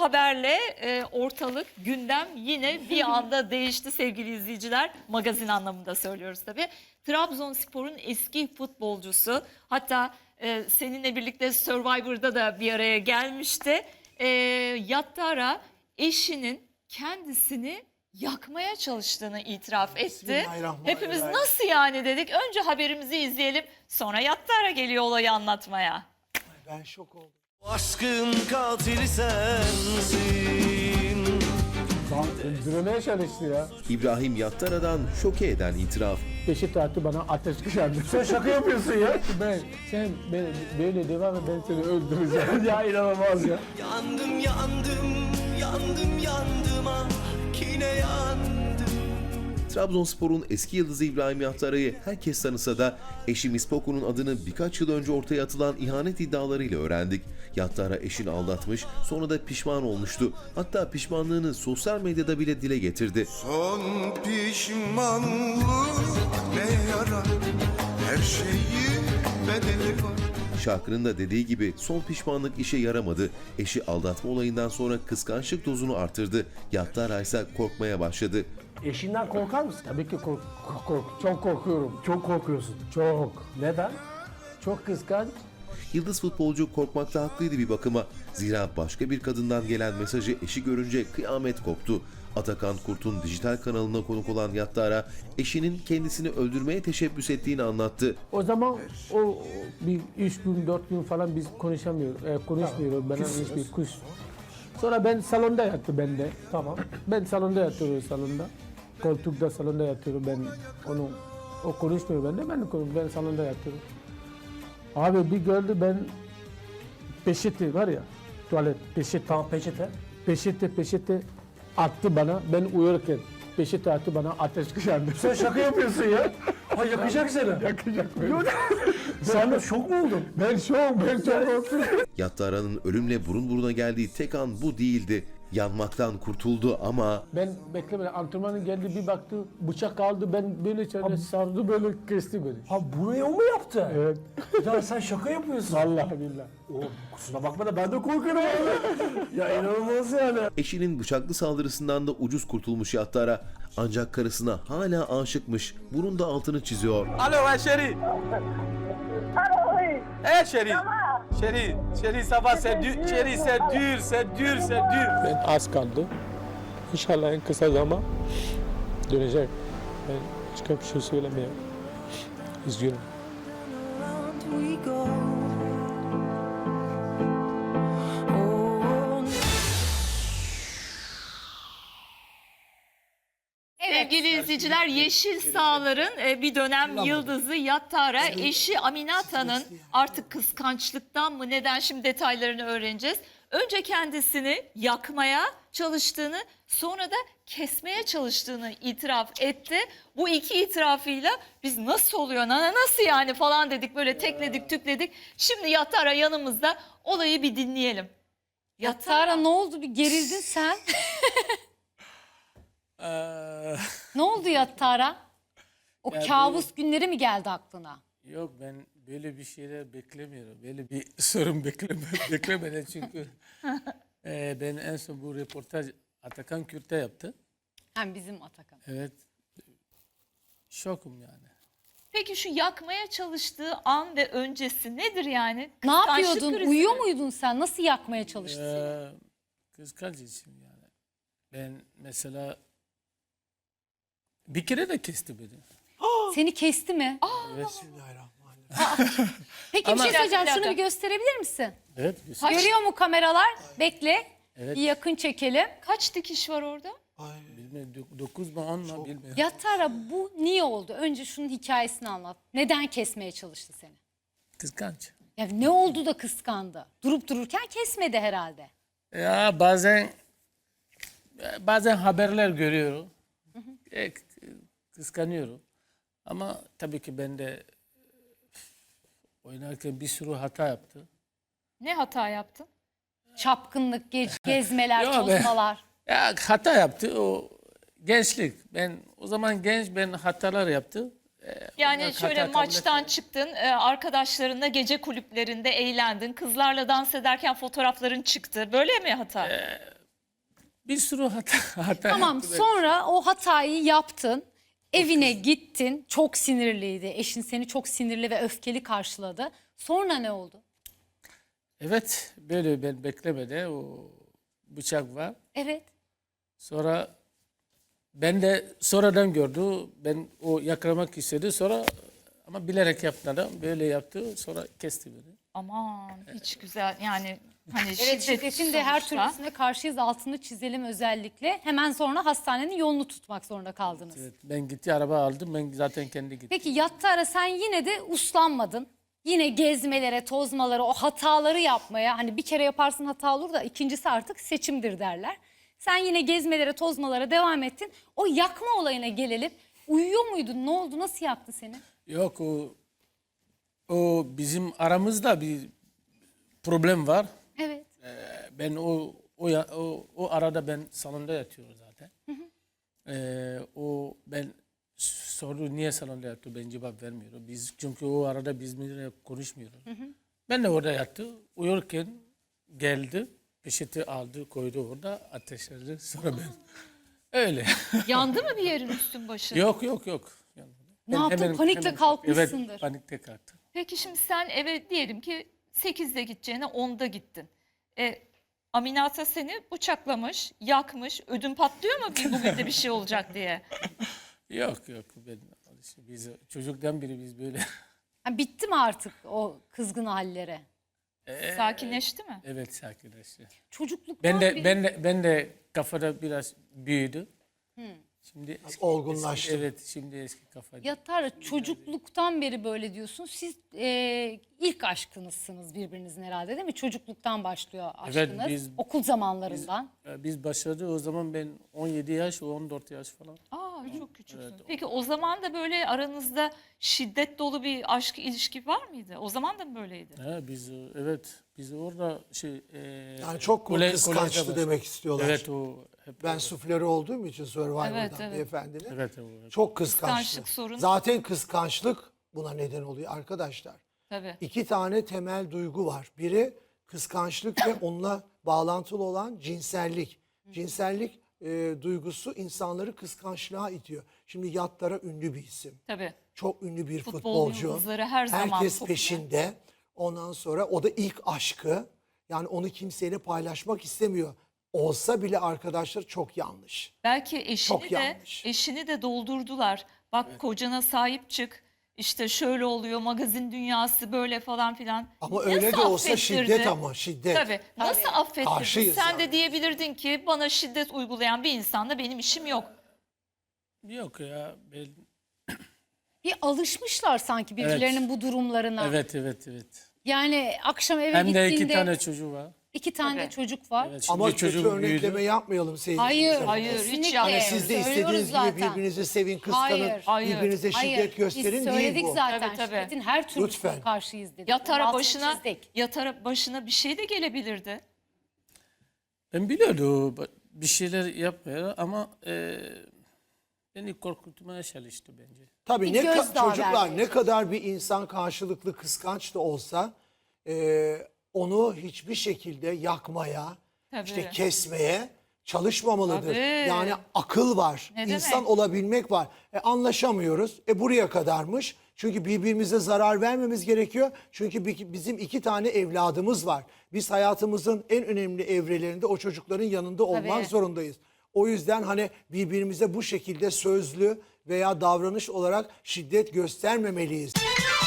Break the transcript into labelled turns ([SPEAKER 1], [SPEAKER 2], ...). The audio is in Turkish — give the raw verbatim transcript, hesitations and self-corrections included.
[SPEAKER 1] haberle e, ortalık, gündem yine bir anda değişti sevgili izleyiciler. Magazin anlamında söylüyoruz tabii. Trabzonspor'un eski futbolcusu, hatta e, seninle birlikte Survivor'da da bir araya gelmişti. E, Yattara eşinin kendisini yakmaya çalıştığını itiraf etti. Hepimiz nasıl yani dedik. Önce haberimizi izleyelim, sonra Yattara geliyor olayı anlatmaya.
[SPEAKER 2] Ben şok oldum.
[SPEAKER 3] Aşkın katili sensin.
[SPEAKER 4] Öldürmeye çalıştı ya.
[SPEAKER 5] İbrahim Yattara'dan şoke eden itiraf.
[SPEAKER 4] Beşik attı bana ateş kışandı. Sen şaka yapıyorsun ya. Ben, sen ben, böyle devam et, ben seni öldüreceğim. Ya inanılmaz ya.
[SPEAKER 3] Yandım yandım yandım yandım ah yine yandım.
[SPEAKER 5] Trabzonspor'un eski yıldızı İbrahim Yattara'yı herkes tanısa da eşi Mispoku'nun adını birkaç yıl önce ortaya atılan ihanet iddialarıyla öğrendik. Yattara eşini aldatmış, sonra da pişman olmuştu. Hatta pişmanlığını sosyal medyada bile dile getirdi.
[SPEAKER 6] Son pişmanlık ne yarar, her şeyi bedeli var.
[SPEAKER 5] Şarkının da dediği gibi son pişmanlık işe yaramadı. Eşi aldatma olayından sonra kıskançlık dozunu artırdı. Yattara ise korkmaya başladı.
[SPEAKER 4] Eşinden korkar mısın? Tabii ki kork, kork, çok korkuyorum. Çok korkuyorsun. Çok. Neden? Çok kıskanç.
[SPEAKER 5] Yıldız futbolcu korkmakta haklıydı bir bakıma. Zira başka bir kadından gelen mesajı eşi görünce kıyamet koptu. Atakan Kurt'un dijital kanalına konuk olan Yattara, eşinin kendisini öldürmeye teşebbüs ettiğini anlattı.
[SPEAKER 4] O zaman o o bir üç gün, dört gün falan biz konuşamıyoruz. E, konuşmuyoruz. Ben hiçbir kuş. Sonra ben salonda yattı ben de. Tamam. Ben salonda yatıyorum salonda. Koltukta salonda yatıyorum ben. Onu o konuşmuyor ben de ben de konuşmuyorum. Ben salonda yatıyorum. Abi bir gördü ben peçete var ya tuvalet peçete. Tamam peçete. Peçete peçete attı bana ben uyurken. Peçete attı bana ateş kışandı. Sen şaka yapıyorsun ya. Ha yakacak seni. Yakacak beni. Sen de şok mu oldun? Ben şok, ben çok korktum.
[SPEAKER 5] Yattara'nın ölümle burun buruna geldiği tek an bu değildi. Yanmaktan kurtuldu ama
[SPEAKER 4] Ben beklemedim. Antrenmanın geldi bir baktı bıçak aldı ben böyle içeride sardı böyle kesti beni.
[SPEAKER 2] Ha buraya o mu yaptı?
[SPEAKER 4] Evet.
[SPEAKER 2] Ya sen şaka yapıyorsun.
[SPEAKER 4] Vallahi billahi.
[SPEAKER 2] O, kusura bakma da ben de korkarım abi. Ya inanılmaz yani.
[SPEAKER 5] eşinin bıçaklı saldırısından da ucuz kurtulmuş Yattara. Ancak karısına hala aşıkmış. Bunun da altını çiziyor.
[SPEAKER 7] Allô, ouais, chérie.
[SPEAKER 8] Allô, oui.
[SPEAKER 7] Eh, chérie.
[SPEAKER 8] Ça va?
[SPEAKER 7] Chérie, chérie, ça va, c'est dur. Chérie, c'est dur, c'est dur, c'est dur.
[SPEAKER 4] Ben az kaldı. İnşallah en kısa zaman dönecek. Ben başka bir şey söylemiyorum. Üzgünüm.
[SPEAKER 1] Sevgili izleyiciler, Yeşil Sağlar'ın e, bir dönem yıldızı Yattara, eşi Aminata'nın artık kıskançlıktan mı neden, şimdi detaylarını öğreneceğiz. Önce kendisini yakmaya çalıştığını, sonra da kesmeye çalıştığını itiraf etti. Bu iki itirafıyla biz nasıl oluyor, nana nasıl yani falan dedik, böyle tekledik tükledik. Şimdi Yattara yanımızda, olayı bir dinleyelim.
[SPEAKER 9] Yattara ne oldu, bir gerildin sen?
[SPEAKER 7] Ee,
[SPEAKER 9] Ne oldu Yattara? O
[SPEAKER 7] Ya
[SPEAKER 9] kabus günleri mi geldi aklına?
[SPEAKER 7] yok, ben böyle bir şeyler beklemiyorum. Böyle bir sorun bekleme, beklemeden çünkü e, ben en son bu röportaj Atakan Kürt'e yaptı.
[SPEAKER 9] Hem bizim Atakan.
[SPEAKER 7] Evet. Şokum yani.
[SPEAKER 1] Peki şu yakmaya çalıştığı an ve öncesi nedir yani?
[SPEAKER 9] Ne
[SPEAKER 1] Kıskançlık
[SPEAKER 9] yapıyordun?
[SPEAKER 1] krizi
[SPEAKER 9] Uyuyor
[SPEAKER 1] mi?
[SPEAKER 9] muydun sen? Nasıl yakmaya çalıştın seni?
[SPEAKER 7] Ee, kıskanç için yani. Ben mesela bir kere de kesti beni.
[SPEAKER 9] Seni kesti mi?
[SPEAKER 7] Evet.
[SPEAKER 9] Peki
[SPEAKER 7] Ama-
[SPEAKER 9] bir şey söyleyeceğim.
[SPEAKER 1] Bir dakika,
[SPEAKER 9] Şunu
[SPEAKER 1] bir
[SPEAKER 9] bir gösterebilir misin?
[SPEAKER 7] Evet.
[SPEAKER 9] Görüyor mu kameralar? Bekle.
[SPEAKER 7] Evet.
[SPEAKER 9] Bir yakın çekelim.
[SPEAKER 1] Kaç dikiş var orada?
[SPEAKER 7] Bilmiyorum, dok- dokuz mu on mu bilmiyorum.
[SPEAKER 9] Yattara bu niye oldu? Önce şunun hikayesini anlat. Neden kesmeye çalıştı seni?
[SPEAKER 7] Kıskanç.
[SPEAKER 9] Ya ne oldu da kıskandı? Durup dururken kesmedi herhalde.
[SPEAKER 7] Ya bazen bazen haberler görüyorum. E, k- kıskanıyorum. Ama tabii ki ben de oynarken bir sürü hata yaptı.
[SPEAKER 1] Ne hata yaptın?
[SPEAKER 9] Çapkınlık, ge- gezmeler,
[SPEAKER 7] Yok be.
[SPEAKER 9] tozmalar.
[SPEAKER 7] Ya hata yaptı o gençlik. Ben o zaman genç, ben hatalar yaptı. E,
[SPEAKER 1] Yani
[SPEAKER 7] onlar
[SPEAKER 1] şöyle
[SPEAKER 7] hata kabul
[SPEAKER 1] maçtan
[SPEAKER 7] etmiyorum.
[SPEAKER 1] çıktın, e, arkadaşlarınla gece kulüplerinde eğlendin, kızlarla dans ederken fotoğrafların çıktı. Böyle mi hata?
[SPEAKER 7] Bir sürü hata, hata
[SPEAKER 9] Tamam,
[SPEAKER 7] yaptım.
[SPEAKER 9] sonra o hatayı yaptın. Evine gittin. Çok sinirliydi. Eşin seni çok sinirli ve öfkeli karşıladı. Sonra ne oldu?
[SPEAKER 7] Evet, böyle ben beklemede o bıçak var.
[SPEAKER 9] Evet.
[SPEAKER 7] Sonra ben de sonradan gördü. Ben o yakalamak istedi. Sonra ama bilerek yapmadan böyle yaptı. Sonra kesti beni.
[SPEAKER 1] Aman hiç güzel yani hani
[SPEAKER 9] Evet,
[SPEAKER 1] şiddet
[SPEAKER 9] şiddetin de her
[SPEAKER 1] sonuçta.
[SPEAKER 9] türlüsüne karşıyız, altını çizelim özellikle. Hemen sonra hastanenin yolunu tutmak zorunda kaldınız.
[SPEAKER 7] Evet, ben gitti araba aldım. Ben zaten kendi gittim.
[SPEAKER 9] Peki yattı ara sen yine de uslanmadın. Yine gezmelere, tozmalara, o hataları yapmaya, hani bir kere yaparsın hata olur da ikincisi artık seçimdir derler. Sen yine gezmelere, tozmalara devam ettin. O yakma olayına gelelim. Uyuyor muydun? Ne oldu? Nasıl yaktı seni?
[SPEAKER 7] Yok o o bizim aramızda bir problem var.
[SPEAKER 9] Evet.
[SPEAKER 7] Ben o o ya- o, o arada ben salonda yatıyorum zaten. Ee, o ben soru niye salonda yatıyor, ben cevap vermiyorum. Biz çünkü o arada biz bizimle konuşmuyoruz. Ben de orada yattı. Uyurken geldi, peçete aldı, koydu orada, ateşledi. Sonra ben öyle.
[SPEAKER 1] Yandı mı bir yerin üstün başın?
[SPEAKER 7] yok yok yok. Yani
[SPEAKER 9] Ne
[SPEAKER 7] ben
[SPEAKER 9] yaptın? Panikle kalkmışsındır.
[SPEAKER 7] Evet, panikle kalktım.
[SPEAKER 1] Peki şimdi sen eve diyelim ki sekizde gideceğine onda gittin. E, Aminata seni bıçaklamış, yakmış. Ödün patlıyor mu bir bugün de bir şey olacak diye?
[SPEAKER 7] Yok yok, ben biz çocuktan beri biz böyle.
[SPEAKER 9] Ha, bitti mi artık o kızgın hallere?
[SPEAKER 1] Sakinleşti mi?
[SPEAKER 7] Evet, sakinleşti.
[SPEAKER 9] Çocukluktan
[SPEAKER 7] Ben de
[SPEAKER 9] beri-
[SPEAKER 7] ben de ben de kafada biraz büyüdü. Şimdi eski-
[SPEAKER 2] olgunlaştı.
[SPEAKER 7] eski- evet, şimdi eski kafa. değil.
[SPEAKER 9] Yatar çocukluktan beri böyle diyorsun. Siz e, ilk aşkınızsınız birbirinizin herhalde değil mi? Çocukluktan başlıyor
[SPEAKER 7] Evet,
[SPEAKER 9] aşkınız.
[SPEAKER 7] biz-
[SPEAKER 9] Okul zamanlarından.
[SPEAKER 7] Ee, Biz başladı o zaman ben on yedi yaş, o on dört yaş falan.
[SPEAKER 1] Aa çok küçüksün. Peki o zaman da böyle aranızda şiddet dolu bir aşk ilişki var mıydı? O zaman da mı böyleydi?
[SPEAKER 7] Ha, biz e, evet biz orada şey e,
[SPEAKER 2] Yani çok
[SPEAKER 7] kole-
[SPEAKER 2] kıskançtı
[SPEAKER 7] kolejde başladı.
[SPEAKER 2] demek istiyorlar.
[SPEAKER 7] Evet o hep
[SPEAKER 2] Ben suflörü olduğum için Survivor'dan
[SPEAKER 1] Evet, evet.
[SPEAKER 2] beyefendinin.
[SPEAKER 7] evet o hep-
[SPEAKER 2] Çok kıskançtı.
[SPEAKER 1] Kıskançlık sorun.
[SPEAKER 2] Zaten kıskançlık buna neden oluyor arkadaşlar.
[SPEAKER 1] Tabii.
[SPEAKER 2] İki tane temel duygu var. Biri kıskançlık ve onunla bağlantılı olan cinsellik. Cinsellik e, duygusu insanları kıskançlığa itiyor. Şimdi Yattara ünlü bir isim.
[SPEAKER 1] Tabii.
[SPEAKER 2] Çok ünlü bir
[SPEAKER 1] Futbol
[SPEAKER 2] futbolcu.
[SPEAKER 1] yıldızları her zaman
[SPEAKER 2] Herkes
[SPEAKER 1] popüler.
[SPEAKER 2] peşinde. Ondan sonra o da ilk aşkı. Yani onu kimseyle paylaşmak istemiyor. Olsa bile arkadaşlar çok yanlış.
[SPEAKER 1] Belki eşini
[SPEAKER 2] Çok
[SPEAKER 1] de
[SPEAKER 2] yanlış.
[SPEAKER 1] eşini de doldurdular. Bak kocana sahip çık. İşte şöyle oluyor magazin dünyası böyle falan filan.
[SPEAKER 2] Ama öyle de
[SPEAKER 1] Nasıl
[SPEAKER 2] olsa
[SPEAKER 1] affettirdi?
[SPEAKER 2] şiddet ama şiddet.
[SPEAKER 1] Tabii. Nasıl affettirdin?
[SPEAKER 2] Karşıyız
[SPEAKER 1] Sen
[SPEAKER 2] yani.
[SPEAKER 1] de diyebilirdin ki bana şiddet uygulayan bir insanla benim işim yok.
[SPEAKER 7] Yok ya ben
[SPEAKER 9] Bir alışmışlar sanki birbirlerinin bu durumlarına.
[SPEAKER 7] evet evet evet.
[SPEAKER 9] Yani akşam eve
[SPEAKER 7] Hem de
[SPEAKER 9] gittiğinde
[SPEAKER 7] iki tane çocuğu var.
[SPEAKER 9] iki tane de
[SPEAKER 1] Tabii.
[SPEAKER 9] çocuk var.
[SPEAKER 7] Evet, şimdi
[SPEAKER 2] Ama kötü
[SPEAKER 7] çocuğum
[SPEAKER 2] örnekleme
[SPEAKER 7] büyüdü.
[SPEAKER 2] yapmayalım sevgili
[SPEAKER 9] Hayır,
[SPEAKER 2] izleyiciler.
[SPEAKER 1] hayır, hiç
[SPEAKER 9] kesinlikle.
[SPEAKER 1] yani
[SPEAKER 2] Siz de
[SPEAKER 9] Söylüyoruz
[SPEAKER 2] istediğiniz
[SPEAKER 9] zaten.
[SPEAKER 2] gibi birbirinizi sevin, kıskanın,
[SPEAKER 1] Hayır, hayır,
[SPEAKER 2] birbirinize şiddet
[SPEAKER 9] Hayır,
[SPEAKER 2] gösterin
[SPEAKER 9] biz
[SPEAKER 2] değil
[SPEAKER 9] söyledik
[SPEAKER 2] bu.
[SPEAKER 9] zaten.
[SPEAKER 1] Tabii, tabii.
[SPEAKER 9] Şiddetin her türlüsüne
[SPEAKER 2] Lütfen.
[SPEAKER 9] karşıyız dedik.
[SPEAKER 1] Yatara
[SPEAKER 9] Altını
[SPEAKER 1] başına
[SPEAKER 9] çizdik.
[SPEAKER 1] yatara başına bir şey de gelebilirdi.
[SPEAKER 7] Ben biliyordum bir şeyler yapmıyor ama e, beni korkutmaya çalıştı bence.
[SPEAKER 2] Tabii
[SPEAKER 9] Bir
[SPEAKER 2] ne ka-
[SPEAKER 9] gözdağı
[SPEAKER 2] çocuklar
[SPEAKER 9] vermeye
[SPEAKER 2] ne kadar bir insan karşılıklı kıskanç da olsa e, onu hiçbir şekilde yakmaya,
[SPEAKER 1] Tabii.
[SPEAKER 2] işte kesmeye çalışmamalıdır.
[SPEAKER 1] Tabii.
[SPEAKER 2] Yani akıl var,
[SPEAKER 1] Ne
[SPEAKER 2] insan
[SPEAKER 1] demek?
[SPEAKER 2] olabilmek var. E, anlaşamıyoruz. E buraya kadarmış. Çünkü birbirimize zarar vermemiz gerekiyor. Çünkü bi- bizim iki tane evladımız var. Biz hayatımızın en önemli evrelerinde o çocukların yanında olmak
[SPEAKER 9] Tabii.
[SPEAKER 2] zorundayız. O yüzden hani birbirimize bu şekilde sözlü veya davranış olarak şiddet göstermemeliyiz.